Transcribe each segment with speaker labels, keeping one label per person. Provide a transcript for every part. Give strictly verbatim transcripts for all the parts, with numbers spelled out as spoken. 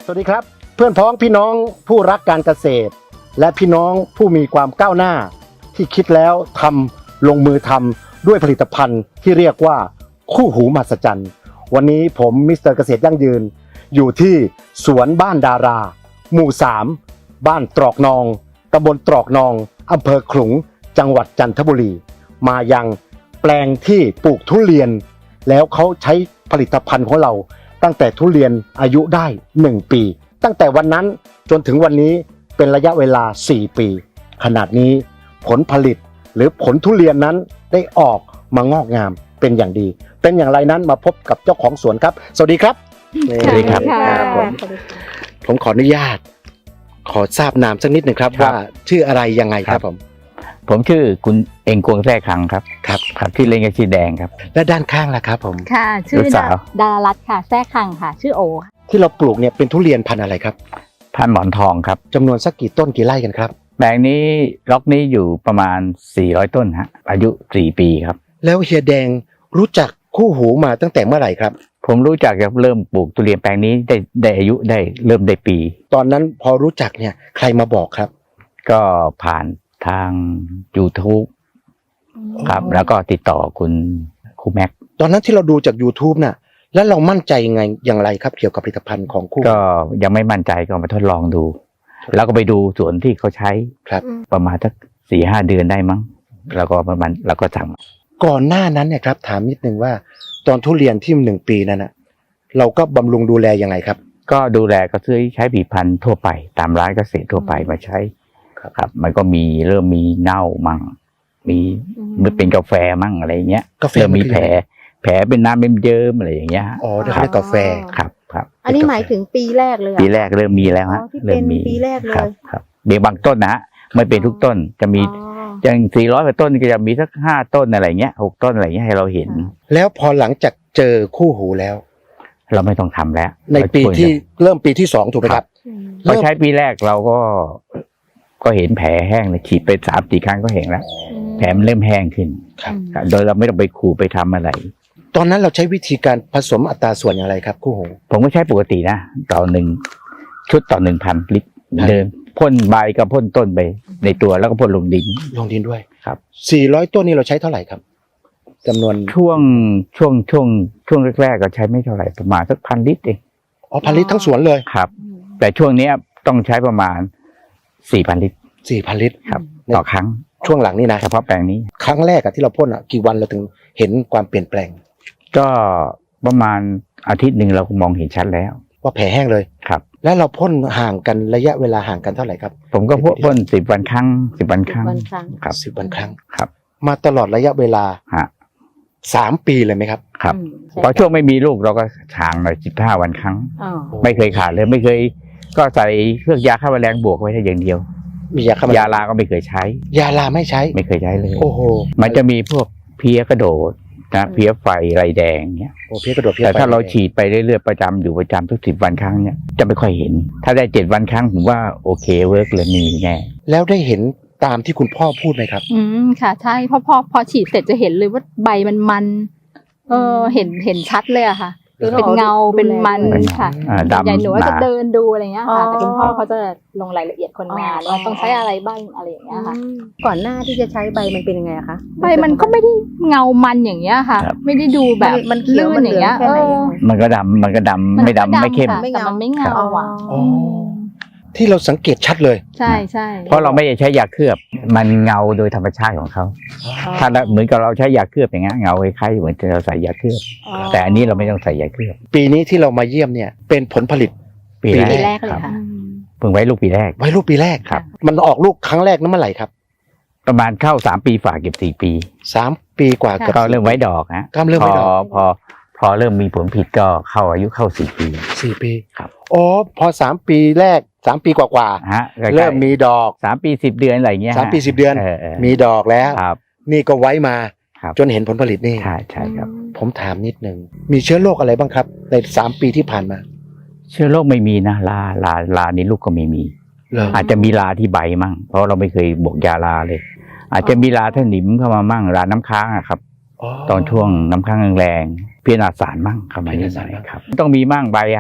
Speaker 1: สวัสดีครับเพื่อนพ้องพี่น้องผู้รักการเกษตรและพี่น้องผู้มีความก้าวหน้าที่คิดแล้วทำลงมือทำด้วยผลิตภัณฑ์ที่เรียกว่าคู่หูมหัศจรรย์วันนี้ผมมิสเตอร์เกษตรยั่งยืนอยู่ที่สวนบ้านดาราหมู่สามบ้านตรอกนองตำบลตรอกนองอำเภอขลุงจังหวัดจันทบุรีมายังแปลงที่ปลูกทุเรียนแล้วเขาใช้ผลิตภัณฑ์ของเราตั้งแต่ทุเรียนอายุได้หนึ่งปีตั้งแต่วันนั้นจนถึงวันนี้เป็นระยะเวลาสี่ปีขนาดนี้ผลผลิตหรือผลทุเรียนนั้นได้ออกมางอกงามเป็นอย่างดีเป็นอย่างไรนั้นมาพบกับเจ้าของสวนครับสวัสดีครับ
Speaker 2: สวัสดีครับ
Speaker 1: ผมผมขออนุญาตขอทราบนามสักนิดหนึ่งครับว่าชื่ออะไรยังไงครับผม
Speaker 2: ผมชื่อคุณเองกวงแท้คังครับ
Speaker 1: ครับ
Speaker 2: ครับที่เล่นกับชีแดงครับ
Speaker 1: และด้านข้างล่ะครับผม
Speaker 3: ค่ะชื่อดารารัตน์ค่ะแท้คังค่ะชื่อโอ
Speaker 1: ที่เราปลูกเนี่ยเป็นทุเรียนพันธุ์อะไรครับ
Speaker 2: พันธุ์หมอนทองครับ
Speaker 1: จำนวนสักกี่ต้นกี่ไร่กันครับ
Speaker 2: แปลงนี้ล็อกนี้อยู่ประมาณสี่ร้อยต้นฮะอายุสี่ปีครับ
Speaker 1: แล้วเฮียแดงรู้จักคู่หูมาตั้งแต่เมื่อไหร่ครับ
Speaker 2: ผมรู้จักจากเริ่มปลูกทุเรียนแปลงนี้ได้ได้อายุได้เริ่มได้ปี
Speaker 1: ตอนนั้นพอรู้จักเนี่ยใครมาบอกครับ
Speaker 2: ก็ผ่านทาง YouTube ครับแล้วก็ติดต่อคุณครูแม็ก
Speaker 1: ตอนนั้นที่เราดูจาก YouTube น่ะแล้วเรามั่นใจยังไงอย่างไรครับเกี่ยวกับผลิตภัณฑ์ของคู่
Speaker 2: ก็ยังไม่มั่นใจก็มาทดลองดูแล้วก็ไปดูสวนที่เขาใช้
Speaker 1: ครับ
Speaker 2: ประมาณสักสี่ห้าเดือนได้มั้งแล้วก็ประมาณแล้วก็สั่ง
Speaker 1: ก่อนหน้านั้นเนี่ยครับถามนิดนึงว่าตอนทุเรียนที่หนึ่งปีนั้นน่ะเราก็บำรุงดูแลยังไงครับ
Speaker 2: ก็ดูแลก็ซื้อใช้ผลิตภัณฑ์ทั่วไปตามร้านเกษตรทั่วไปมาใช้ครับมันก็มีเริ่มมีเน่ามั่งมีมันเป็นกาแฟมั่งอะไรเงี้ย
Speaker 1: กาแฟ
Speaker 2: มีแผลแผลเป็นน้ำเป็นเยิ้มอะไรอย่างเงี้ย
Speaker 1: อ๋อได้รับกาแฟ
Speaker 2: ครับครับ
Speaker 3: อันนี้หมายถึงปีแรกเลย
Speaker 2: ปีแรกเริ่มมีแล้วฮะ
Speaker 3: เริ่มมีปีแรกเลย
Speaker 2: ครับเดี๋ยวบางต้นนะฮะไม่เป็นทุกต้นจะมีอย่างสี่ร้อยกว่าต้นก็จะมีสักห้าต้นอะไรเงี้ยหกต้นอะไรเงี้ยให้เราเห็น
Speaker 1: แล้วพอหลังจากเจอคู่หูแล้ว
Speaker 2: เราไม่ต้องทำแล้ว
Speaker 1: ในปีที่เริ่มปีที่สองถูกไหมครับ
Speaker 2: พอใช้ปีแรกเราก็ก็เห็นแผลแห้งเลยฉีดไปสามสี่ครั้งก็เห็นแล้วแผลมันเริ่มแห้งขึ้นโดยเราไม่ต้องไปขูดไปทำอะไร
Speaker 1: ตอนนั้นเราใช้วิธีการผสมอัตราส่วนอย่างไรครับคู่หู
Speaker 2: ผมก็ใช้ปกตินะต่อหนึ่งชุดต่อหนึ่งพันลิตรเดินพ่นใบกับพ่นต้นไปในตัวแล้วก็พ่นลงดิน
Speaker 1: ลงดินด้วย
Speaker 2: ครับ
Speaker 1: สี่ร้อยต้นนี้เราใช้เท่าไหร่ครับจำนวน
Speaker 2: ช่วงช่วงช่วงช่วงแรกๆก็ใช้ไม่เท่าไหร่ประมาณสักพันลิตรเอง
Speaker 1: อ๋อพันลิตรทั้งสวนเลย
Speaker 2: ครับแต่ช่วงนี้ต้องใช้ประมาณสี่พันลิตร
Speaker 1: สี่พันลิตร
Speaker 2: ครับต่อครั้ง
Speaker 1: ช่วงหลังนี่นะ
Speaker 2: เฉพาะแปลงนี้
Speaker 1: ครั้งแรกอะที่เราพ่นอะกี่วันเราถึงเห็นความเปลี่ยนแปลง
Speaker 2: ก็ประมาณอาทิตย์หนึ่งเรามองเห็นชัดแล้ว
Speaker 1: ว่าแผลแห้งเลย
Speaker 2: ครับ
Speaker 1: แล้วเราพ่นห่างกันระยะเวลาห่างกันเท่าไหร่ครับ
Speaker 2: ผมก็พ่นสิบวันครั้งสิบวันครั้ง
Speaker 1: ครับสิบวันครั้ง
Speaker 2: ครับ
Speaker 1: มาตลอดระยะเวลา
Speaker 2: ฮะ
Speaker 1: สามปีเลยไหมครับ
Speaker 2: ครับพอช่วงไม่มีลูกเราก็ห่างหน่อยสิบห้าวันครั้งไม่เคยขาดเลยไม่เคยก็ใส่เครื่องยาฆ่าแมลงบวกไว้แค่อย่างเดียว
Speaker 1: มียาฆ่าแมลง
Speaker 2: ยาลาก็ไม่เคยใช้
Speaker 1: ยาลาไม่ใช้
Speaker 2: ไม่เคยใช้เลย
Speaker 1: โอ้โห
Speaker 2: มันจะมีพวกเพี้ยกระโดดนะเพี้ยไฟไรแดงเนี้ย
Speaker 1: โอ้เพี้ยกระโดด
Speaker 2: แต่ถ้าเราฉีดไปเรื่อยๆประจำอยู่ประจำทุกสิบวันครั้งเนี้ยจะไม่ค่อยเห็นถ้าได้เจ็ดวันครั้งผมว่าโอเคเวิร์กเลยมีแน่
Speaker 1: แล้วได้เห็นตามที่คุณพ่อพูดไหมครับ
Speaker 3: อืมค่ะใช่พอพอพอฉีดเสร็จจะเห็นเลยว่าใบมันมันเออเห็นเห็นชัดเลยอะค่ะเป็นเงาเป็นมันค่ะใหญ่หนูจะเดินดูอะไรเงี้ยค่ะแต่คุณพ่อเขาจะลงรายละเอียดคนงานว่าต้องใช้อะไรบ้างอะไรอย่างเงี้ยค่ะ
Speaker 4: ก่อนหน้าที่จะใช้ใบมันเป็นยังไงคะ
Speaker 3: ใบมันก็ไม่ได้เงามันอย่างเงี้ยค่ะไม่ได้ดูแบบ
Speaker 4: มันเขียวมันอย่างเงี้ย
Speaker 2: มันก็ดำมันก็ดำไม่ดำไม่เข้ม
Speaker 3: แต่มันไม่เงาอ่ะ
Speaker 1: ที่เราสังเกตชัดเลย
Speaker 3: ใช่ใช่
Speaker 2: เพราะเราไม่ได้ใช้ยาเคลือบมันเงาโดยธรรมชาติของเขาถ้าเหมือนกับเราใช้ยาเคลือบอย่างเงี้ยเงาคล้ายๆเหมือนเราใส่ยาเคลือบแต่อันนี้เราไม่ต้องใส่ยาเคลือบ
Speaker 1: ปีนี้ที่เรามาเยี่ยมเนี่ยเป็นผลผลิต
Speaker 3: ปีแรกเลยค่ะ
Speaker 2: เพิ่งไว้ลูกปีแรก
Speaker 1: ไว้ลูกปีแรก
Speaker 2: ครับ
Speaker 1: มันออกลูกครั้งแรกนั้นเมื่อไหร่ครับ
Speaker 2: ประมาณเข้าสามปีฝากเก็บสี่ปี
Speaker 1: สามปีกว่า
Speaker 2: ก็เริ่มไว้ดอกฮะ
Speaker 1: ก็เริ่มไว้ดอก
Speaker 2: พอพอเริ่มมีผลผลิตก็เข้าอายุเข้าสี่ปี
Speaker 1: สี่ปี
Speaker 2: ครับ
Speaker 1: อ๋อพอสามปีแรกสามปีกว่าๆ
Speaker 2: ฮะ
Speaker 1: เริ่มมีดอก
Speaker 2: สามปีสิบเดือนอะไรเงี้ย
Speaker 1: สามปีสิบเดือนมีดอกแล้วนี่ก็ไว้มาจนเห็นผลผลิตนี่
Speaker 2: ใช่ใช่ครับ
Speaker 1: ผมถามนิดนึงมีเชื้อโรคอะไรบ้างครับในสามปีที่ผ่านมา
Speaker 2: เชื้อโรคไม่มีนะลาลาลาในลูกก็ไม่มีอาจจะมีลาที่ใบมั่งเพราะเราไม่เคยบวกยาลาเลยอาจจะมีลาท่านิมเข้ามามั่งลาน้ำค้างอะครับตอนช่วงน้ำค้างแรงๆเพี้ยนาสารมั่งเข้ามานิดหน่อยครับต้องมีมั่งใบฮะ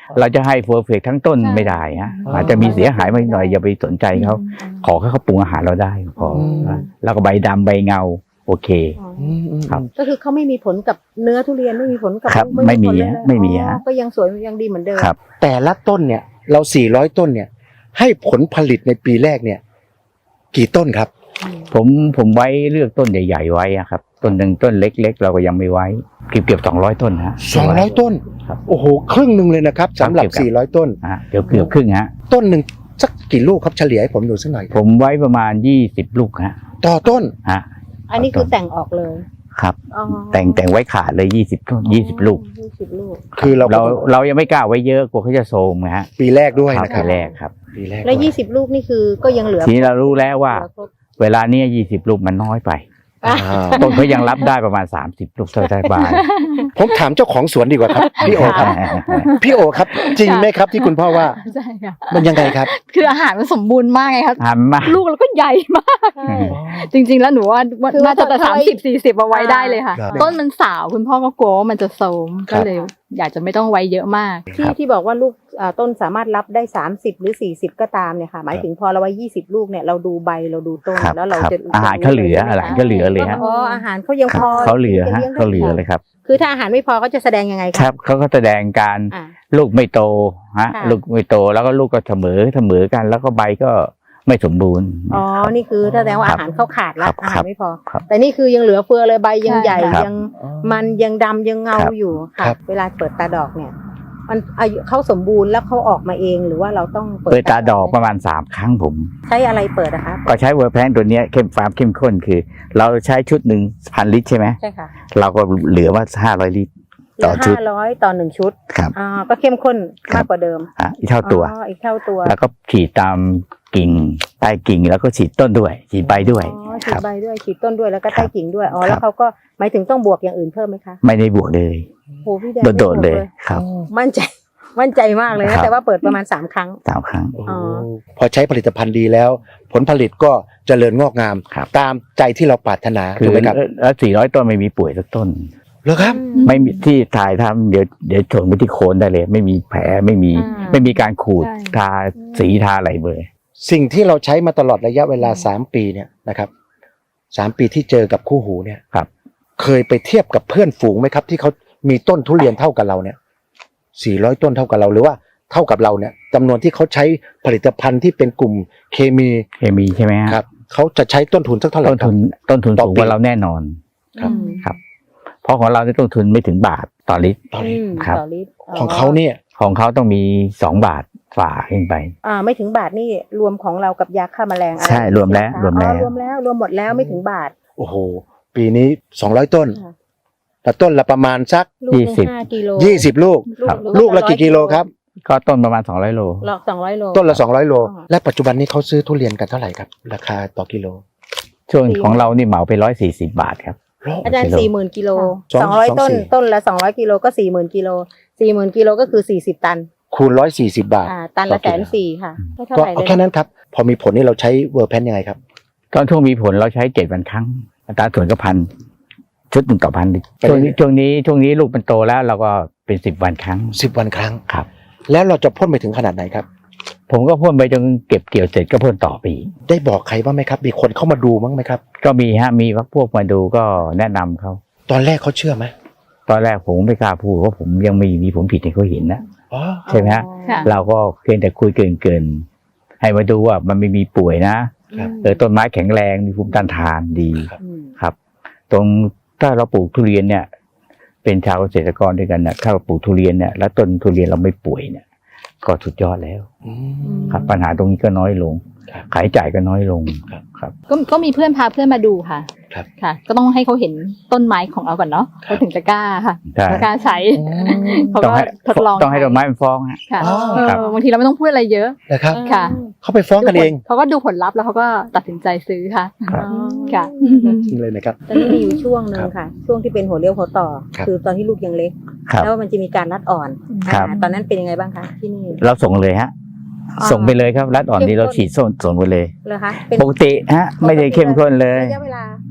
Speaker 2: เราจะให้เพอร์เฟกทั้งต้นไม่ได้ฮะอาจจะมีเสียหายมาหน่อยอย่าไปสนใจเขาขอแค่เขาปรุงอาหารเราได้พอนะแล้วก็ใบดำใบเงาโอเค ครับ
Speaker 4: ก็คือเขาไม่มีผลกับเนื้อทุเรียนไม่มีผลกับ
Speaker 2: ครับ
Speaker 4: ลูก
Speaker 2: ไม่มี
Speaker 4: ผลเลย
Speaker 2: ฮะไม่มี
Speaker 4: อ๋อ
Speaker 2: ฮะ
Speaker 4: ก็ยังสวยยังดีเหมือนเดิม
Speaker 2: ครับ
Speaker 1: แต่ละต้นเนี่ยเราสี่ร้อยต้นเนี่ยให้ผลผลิตในปีแรกเนี่ยกี่ต้นครับ
Speaker 2: ผมผมไว้เลือกต้นใหญ่ๆไว้อะครับต้นหนึ่งต้นเล็กๆ เราก็ยังไม่ไว้เกือบเกือบสองร้อยต้นฮะ
Speaker 1: สองร้อยต้น
Speaker 2: ครับ
Speaker 1: โอ้โหครึ่งหนึ่งเลยนะครับสำหรับ
Speaker 2: ครับ
Speaker 1: สี่ร้อยต้น
Speaker 2: ฮะเกือบเกือบครึ่งฮะ
Speaker 1: ต้นหนึ่งสักกี่ลูกครับเฉลี่ยให้ผมดูสักหน่อย
Speaker 2: ผมไว้ประมาณยี่สิบลูกฮะ
Speaker 1: ต่อต้น
Speaker 2: ฮะ
Speaker 4: อันนี้คือแต่งออกเลย
Speaker 2: ครับ
Speaker 4: อ๋อ
Speaker 2: แต่งแต่งไว้ขาดเลยยี่สิบยี่สิบลูก
Speaker 4: ยี่สิบลูก
Speaker 1: คือเรา
Speaker 2: เราเรายังไม่กล้าไว้เยอะกลัวเขาจะโทรมนะฮะ
Speaker 1: ปีแรกด้วย
Speaker 2: ครับ
Speaker 1: นะครับ
Speaker 2: ปีแรกครับ
Speaker 1: ปีแรก
Speaker 4: แล้ว
Speaker 1: ด้วย
Speaker 4: ยี่สิบลูกนี่คือก็ยังเหลือ
Speaker 2: ทีนี้เรารู้แล้วว่า
Speaker 4: เหลือครบ
Speaker 2: เวลาเนี้ยี่สิบลูกมันน้อยไป
Speaker 1: อ่า
Speaker 2: ต้นเขายังรับได้ประมาณสามสิบลูกเท่าได้บ้าน
Speaker 1: ผมถามเจ้าของสวนดีกว่าครับ พี่โอครับ พี่โอครับ จริงไหมครับที่คุณพ่อว่า
Speaker 3: ใช่ค่ะ
Speaker 1: มันยังไงครับ
Speaker 3: คืออาหารมันสมบูรณ์มากไงครับ
Speaker 2: หันมา
Speaker 3: ลูกแล้วก็ใหญ่มาก
Speaker 4: ใช่
Speaker 3: จริง ๆ แล้วหนูว่าว่า
Speaker 4: คือว่า
Speaker 3: น่าจะแต่
Speaker 4: ถ้า
Speaker 3: สาม
Speaker 4: ไว้
Speaker 3: สิบสี่สิบเอาไว้ได้เลยค่ะ
Speaker 1: ครับ
Speaker 3: ต้นมันสาวคุณพ่อก็กลัวว่ามันจะโทรม
Speaker 1: ครั
Speaker 3: ก็
Speaker 1: บ
Speaker 3: เลย อยากจะไม่ต้องไว้เยอะมาก
Speaker 4: ที่ที่บอกว่าลูกอ่าต้นสามารถรับได้สามสิบหรือสี่สิบก็ตามเนี่ยค่ะหมายถึงพอเราไว้ยี่สิบลูกเนี่ยเราดูใบเราดูต้น
Speaker 2: ครับ
Speaker 4: แล้วเรา
Speaker 2: ครับ
Speaker 4: จะ
Speaker 2: อาหารเขาเหลืออาหารเขาเหลือเลยฮะ
Speaker 4: อ๋ออาหารเขายัง
Speaker 2: ค
Speaker 4: พ
Speaker 2: รับ
Speaker 4: อ
Speaker 2: เขาเหลือ
Speaker 4: ที่
Speaker 2: ฮะ
Speaker 4: จะลี้ยงได้
Speaker 2: เขาเหลือเลยครับ
Speaker 4: คือถ้าอาหารไม่พอเขาจะแสดงยังไง
Speaker 2: ครับเขาก็แสดงการ
Speaker 4: อ่า
Speaker 2: ลูกไม่โตฮะ
Speaker 4: ค่ะ
Speaker 2: ลูกไม่โตแล้วก็ลูกก็เสมอเสมอกัน แล้วก็ใบก็ไม่สมบูรณ์
Speaker 4: อ๋อ นี่คือแสดงว่า
Speaker 2: ครับ
Speaker 4: อาหารเข้าขาดละ
Speaker 2: ครับ
Speaker 4: อาหารไม่พอ
Speaker 2: ครับ
Speaker 4: แต่นี่คือยังเหลือเฟือเลยใบยัง
Speaker 3: ใช่
Speaker 4: ใหญ่
Speaker 2: ครับ
Speaker 4: ยังมันยังดำยังเงา
Speaker 2: ครับ
Speaker 4: อยู่ค่ะ
Speaker 1: ครับ
Speaker 4: เวลาเปิดตาดอกเนี่ย มันอายุเขาสมบูรณ์แล้วเขาออกมาเองหรือว่าเราต้องเปิด
Speaker 2: เปิดตาดอกประมาณสามครั้งผม
Speaker 4: ใช้อะไรเปิดอะคะ
Speaker 2: ก็ใช้เวอร์แพนตัวเนี้ยเข้มฟาร์มเข้มข้นคือ เราใช้ชุดหนึ่งพันลิตรใช่ไหม
Speaker 4: ใช่ค่ะ
Speaker 2: เราก็เหลือว่าห้าร้อยลิตร
Speaker 4: เหลื
Speaker 2: ต่อ
Speaker 4: อ
Speaker 2: ชุด
Speaker 4: ห้าร้อยต่อหนึ่งชุด
Speaker 2: ครับ
Speaker 4: อ่าก็เข้มข้น
Speaker 2: ครั
Speaker 4: มา
Speaker 2: บ
Speaker 4: กกว่าเดิม
Speaker 2: อ่ะอีกเท่าตัว
Speaker 4: อ๋ออีกเท่าตัว
Speaker 2: แล้วก็ฉีดตามกิ่งใต้กิ่งแล้วก็ฉีดต้นด้วย ฉีดใบด้วย
Speaker 4: อ๋อ
Speaker 2: ค
Speaker 4: ฉีด
Speaker 2: รับ
Speaker 4: ใบด้วยฉีดต้นด้วยแล้วก็
Speaker 2: ครั
Speaker 4: ใต้
Speaker 2: บ
Speaker 4: กิ่งด้วยอ๋อ
Speaker 2: ครับ
Speaker 4: แล้วเขาก็หมายถึงต้องบวกอย่างอื่นเพิ่มไหมคะ
Speaker 2: ไม่ได้บวกเลย
Speaker 4: โหพี่แดง
Speaker 2: โดดๆ
Speaker 4: ไม่บวก
Speaker 2: เลยครับ
Speaker 4: มั่นใจมั่นใจมากเลย
Speaker 2: ครั
Speaker 4: นะ
Speaker 2: บ
Speaker 4: แต่ว่าเปิดประมาณสามครั้ง
Speaker 2: สามครั้ง
Speaker 1: โอ้
Speaker 4: อ๋อ
Speaker 1: พอใช้ผลิตภัณฑ์ดีแล้ว ผลผลิตก็เจริญงอกงาม
Speaker 2: ครับ
Speaker 1: ตามใจที่เราปรารถนา
Speaker 2: คื
Speaker 1: ถู
Speaker 2: อก
Speaker 1: ไหมครับ
Speaker 2: แล้วสี่ร้อยต้นไม่มีป่วยสักต้น
Speaker 1: เหรอครับ
Speaker 2: ไม่มีที่ถ่ายทำเดี๋ยวเดี๋ยวชนไปที่โคนได้เลย ไม่มีแผลไม่มี
Speaker 3: อ่า
Speaker 2: ไม่มีการขูด
Speaker 3: ใช่
Speaker 2: ทาสีทาอะไรเลย
Speaker 1: สิ่งที่เราใช้มาตลอดระยะเวลาสามปีเนี่ยนะครับสามปีที่เจอกับคู่หูเนี่ย
Speaker 2: ครับ
Speaker 1: เคยไปเทียบกับเพื่อนฝูงไหมครับ ที่เขามีต้นทุเรียนเท่ากับเราเนี่ยสี่ร้อยต้นเท่ากับเราหรือว่าเท่ากับเราเนี่ยจำนวนที่เขาใช้ผลิตภัณฑ์ที่เป็นกลุ่มเคมี
Speaker 2: เคมีใช่ไหมฮะ
Speaker 1: ครับเขาจะใช้ต้นทุนสักเท่าไหร่
Speaker 2: ต้น
Speaker 1: ครั
Speaker 2: ทุ
Speaker 1: บ
Speaker 2: นต้นทุน
Speaker 1: ต่อ
Speaker 2: สูง
Speaker 1: ปี
Speaker 2: กว่าเราแน่นอน
Speaker 1: ครับ
Speaker 4: อืม
Speaker 2: เพราะของเราเนี่ยต้นทุนไม่ถึงบาทต่อลิตร
Speaker 1: ตอนนี้
Speaker 4: อืม
Speaker 2: ครับ
Speaker 4: ต่อลิตร
Speaker 1: ของเขาเนี่ย
Speaker 2: ของเขาต้องมีสองบาทฝ่าขึ้นไป
Speaker 4: อ่าไม่ถึงบาทนี่รวมของเรากับยาฆ่าแมลงอะไร
Speaker 2: ใช่รวมแล้ว
Speaker 4: ใช่ไห
Speaker 2: รวมแล้ว
Speaker 4: อ๋อรวมแล้วรวมหมดแล้วไม่ถึงบาท
Speaker 1: โอ้โหปีนี้สองร้อยต้น
Speaker 4: ค่ะ
Speaker 1: แต่ต้นละประมาณสัก
Speaker 4: ลูกหนึ่ง
Speaker 2: ยี่สิบ
Speaker 4: ห้ากิโล
Speaker 1: ยี่สิบลูก
Speaker 2: ครับ
Speaker 1: ลูกละกี่กิโลครับ
Speaker 2: ก็ต้นประมาณสองร้อยโล
Speaker 4: หลอกสองร้อยโล
Speaker 1: ต้นละสองร้อยโล
Speaker 4: อ๋อ
Speaker 1: และปัจจุบันนี้เขาซื้อทุเรียนกันเท่าไหร่ครับ ราคาต่อกิโล
Speaker 2: ช่วงของเรานี่เหมาไปร้อยสี่สิบบาทครับ
Speaker 4: อาจารย์
Speaker 2: กิโล
Speaker 4: สี่หมื่นกิโล
Speaker 1: สอง
Speaker 4: สองร้อย
Speaker 1: สอง
Speaker 4: ต้น
Speaker 1: สี่
Speaker 4: ต้นละสองร้อยกิโลก็สี่หมื่นกิโลสี่หมื่นกิโลก็คือสี่สิบตัน
Speaker 1: คูณร้อยสี่สิบบาท
Speaker 4: อ่าตันละ
Speaker 1: ต่
Speaker 4: แส
Speaker 1: อกิ
Speaker 4: น
Speaker 1: โล
Speaker 4: สี่ค่ะไม่เท่า
Speaker 1: ก็
Speaker 4: ไหร่
Speaker 1: เอา
Speaker 4: เลย
Speaker 1: แค่นั้นครับ พอมีผลนี่เราใช้เวอร์แพนยังไงครับ
Speaker 2: ตอนช่วงมีผลเราใช้เจ็ดวันครั้งอัตราส่วนก็พันชุดหนึ่งต่อพันลิตร
Speaker 1: ไปเรื่
Speaker 2: ช่ว
Speaker 1: อง ยๆ
Speaker 2: นี้ช่วงนี้ช่วงนี้ลูกมันโตแล้วเราก็เป็นสิบวันครั้ง
Speaker 1: สิบวันครั้ง
Speaker 2: ครับ
Speaker 1: แล้วเราจะพ่นไปถึงขนาดไหนครับ
Speaker 2: ผมก็พ่นไปจนเก็บเกี่ยวเสร็จก็พ่นต่อไปอีก
Speaker 1: ได้บอกใครบ้างไหมครับ มีคนเข้ามาดูบ้างไหมครับ
Speaker 2: ก็มีฮะมีพวกมาดูก็แนะนำเขา
Speaker 1: ตอนแรกเขาเชื่อไหม
Speaker 2: ตอนแรกผมไม่กล้าพูดเพราะผมยังมีมีผมผิดให้เขาเห็นนะ
Speaker 1: อ๋อ
Speaker 2: ใช่ไหมฮะ
Speaker 3: ค่ะ
Speaker 2: เราก็เพียงแต่คุยเกินๆให้มาดูว่ามันไม่มีป่วยนะครับ เออต้นไม้แข็งแรงมีภูมิต้านทานดี
Speaker 1: ครับ
Speaker 4: อืม
Speaker 2: ครับ ตรงถ้าเราปลูกทุเรียนเนี่ย เป็นชาวเกษตรกรด้วยกันเนี่ยถ้าเราปลูกทุเรียนเนี่ยแล้วต้นทุเรียนเราไม่ป่วยเนี่ย ก็สุดยอดแล้ว
Speaker 1: อื
Speaker 4: อื
Speaker 1: ม
Speaker 4: ม
Speaker 2: ครับ ปัญหาตรงนี้ก็น้อยลง
Speaker 1: ครับ
Speaker 2: ขายจ่ายก็น้อยลง
Speaker 1: ครับ
Speaker 2: ครับ
Speaker 3: ก็ก็มีเพื่อนพาเพื่อนมาดูค่ะ
Speaker 1: ครับ
Speaker 3: ค่ะ ก็ต้องให้เขาเห็นต้นไม้ของเราก่อนเนาะ
Speaker 1: ครับ
Speaker 3: เขาถึงจะกล้าค่ะ
Speaker 2: ใช่
Speaker 3: กล้าใช้ เขา
Speaker 2: ต้อง
Speaker 3: ก็
Speaker 2: ให้
Speaker 3: ทดลอง
Speaker 2: ต้องให้ดอกไม้มันฟ้องฮะ
Speaker 3: ค่ะ
Speaker 1: อ๋อ
Speaker 3: เอ
Speaker 2: ครับ
Speaker 3: อบางทีเราไม่ต้องพูดอะไรเยอะ
Speaker 1: นะครับ
Speaker 3: ค่ะ
Speaker 1: เขาไปฟ้องกันเอง
Speaker 3: เขาก็ดูผลลัพธ์แล้วเขาก็ตัดสินใจซื้อค่ะ
Speaker 2: ครับ
Speaker 4: อ๋อ
Speaker 3: ค่ะ
Speaker 1: จริงเลยนะครับ
Speaker 4: ตอนนี้มีอยู่ช่วงหนึ่งค่ะ ช่วงที่เป็นหัวเลี้ยวหัวต่อ
Speaker 1: ครับ
Speaker 4: คือตอนที่ลูกยังเล็ก
Speaker 2: ครับ
Speaker 4: แล้วมันจะมีการรัดอ่อน
Speaker 2: ครับ
Speaker 4: อ่าตอนนั้นเป็นยังไงบ้างคะที่นี่
Speaker 2: เราส่งเลยฮะ
Speaker 4: อ่า
Speaker 2: ส่งไปเลยครับรัดอ่อนนี้เราฉีดส่งส่งไปเลย
Speaker 4: เลยคะเป็น
Speaker 2: ปกติฮะ ไม่ได้เข้มข้นเลย
Speaker 4: ระยะเวลา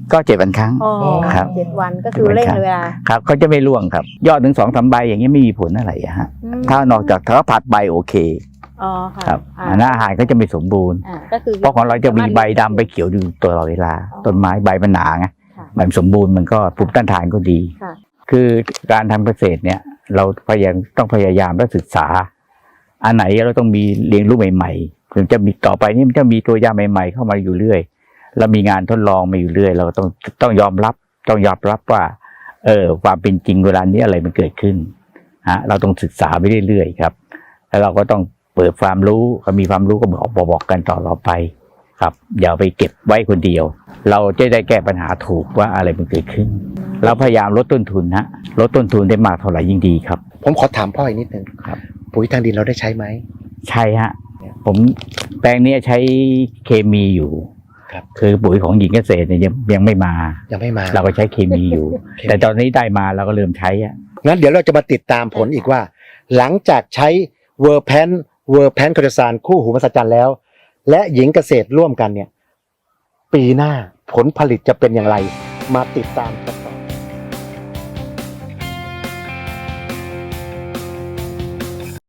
Speaker 2: ก็เจ็ดวันครั้ง
Speaker 4: อ๋อ
Speaker 2: ครับ
Speaker 4: เจ็ดวันก็คือเร่งเวลา
Speaker 2: ครับเขาจะไม่ร่วงครับ ยอดถึงสองสามใบอย่างเงี้ยไม่มีผลอะไรอะฮะ
Speaker 4: อืม
Speaker 2: ถ้านอกจากถ้าผัดใบโอเค
Speaker 4: อ๋อค่ะ
Speaker 2: ครับ
Speaker 4: อ่า
Speaker 2: อันนั้นอาหารก็จะไม่สมบูรณ์
Speaker 4: อ่าก็คือ
Speaker 2: เพราะของเราจะมีใบดำใบเขียวอยู่ตลอดเวลา ต้นไม้ใบมันหนาไง
Speaker 4: ค่ะ
Speaker 2: ใบมันสมบูรณ์มันก็ภูมิต้านทานก็ดี
Speaker 4: ค่ะ
Speaker 2: คือการทำเกษตรเนี่ย เราพยายามต้องพยายามและศึกษา อันไหนเราต้องมีเรียนรู้ใหม่ๆถึงจะมีต่อไปนี่มันจะมีตัวยาใหม่ ๆ เข้ามาอยู่เรื่อยเรามีงานทดลองมาอยู่เรื่อย เราต้องต้องยอมรับต้องยอมรับว่า เออความเป็นจริงเวลานี้อะไรมันเกิดขึ้นฮะเราต้องศึกษาไปเรื่อยๆครับ แล้วเราก็ต้องเปิดความรู้ก็มีความรู้ก็บอกบอกบอกกันต่อเราไป ครับอย่าไปเก็บไว้คนเดียว เราจะได้แก้ปัญหาถูกว่าอะไรมันเกิดขึ้น เราพยายามลดต้นทุนฮะลดต้นทุนได้มากเท่าไหร่ยิ่งดีครับ
Speaker 1: ผมขอถามพ่ออีกนิดนึง
Speaker 2: ครับ
Speaker 1: ปุ๋ยทางดินเราได้ใช้ไหม
Speaker 2: ใช่ฮะผมแปลงเนี้ยใช้เคมีอยู่
Speaker 1: ครับ
Speaker 2: คือปุ๋ยของหญิงเกษตรเนี่ยยังยังไม่มา
Speaker 1: ยังไม่มา
Speaker 2: เราก็ใช้เคมีอยู่
Speaker 1: เคมี
Speaker 2: แต่ตอนนี้ได้มาเราก็เริ่มใช้อะ
Speaker 1: งั้นเดี๋ยวเราจะมาติดตามผลอีกว่า หลังจากใช้เวอร์แพนเวอร์แพนคอร์ซานคู่หูมหัศจรรย์แล้ว และหญิงเกษตรร่วมกันเนี่ย ปีหน้าผลผลิตจะเป็นอย่างไร มาติดตามกันต่อ